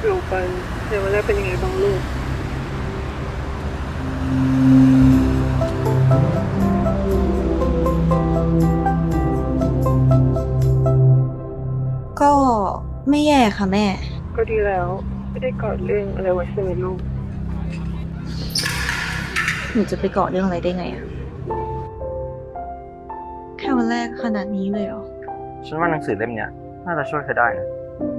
รู้ไปเดี๋ยววันแรกเป็นยังไงบ้างลูกก็ไม่แย่ค่ะแม่ก็ดีแล้วไม่ได้กอดเรื่องอะไรไว้ใช่ไหมลูกหนูจะไปเกาะเรื่องอะไรได้ไงอะแค่วันแรกขนาดนี้เลยเหรอฉันว่าหนังสือเล่มเนี้ยน่าจะช่วยเธอได้นะ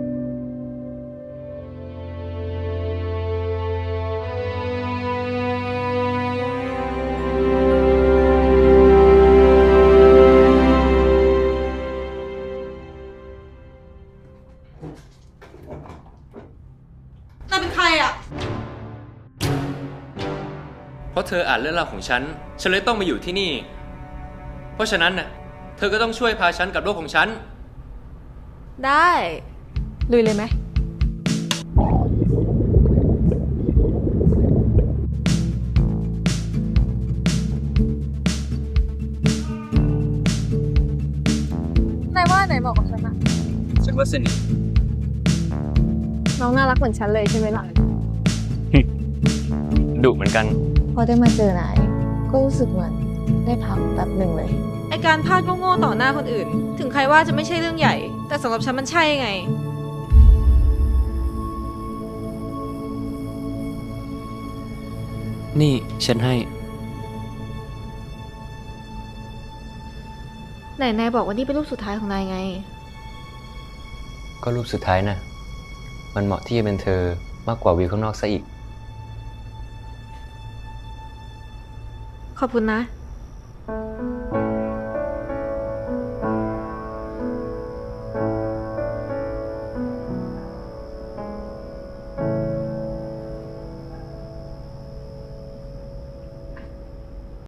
นายเป็นใครอะเพราะเธออ่านเรื่องราวของฉัน ฉันเลยต้องมาอยู่ที่นี่ เพราะฉะนั้นน่ะ เธอก็ต้องช่วยพาฉันกับโลกของฉันได้ลุยเลยไหมนายว่าไหนบอกกับฉันอะฉันว่าสนิทน้องน่ารักเหมือนฉันเลยใช่ไหมล่ะดุเหมือนกันพอได้มาเจอนายก็รู้สึกเหมือนได้พักแบบหนึ่งเลยไอการพลาดโง่ๆต่อหน้าคนอื่น ถึงใครว่าจะไม่ใช่เรื่องใหญ่ แต่สำหรับฉันมันใช่ไงนี่ฉันให้ไหนนายบอกว่านี่เป็นรูปสุดท้ายของนายไงก็รูปสุดท้ายนะ มันเหมาะที่จะเป็นเธอมากกว่าวิวข้างนอกซะอีกขอบคุณนะ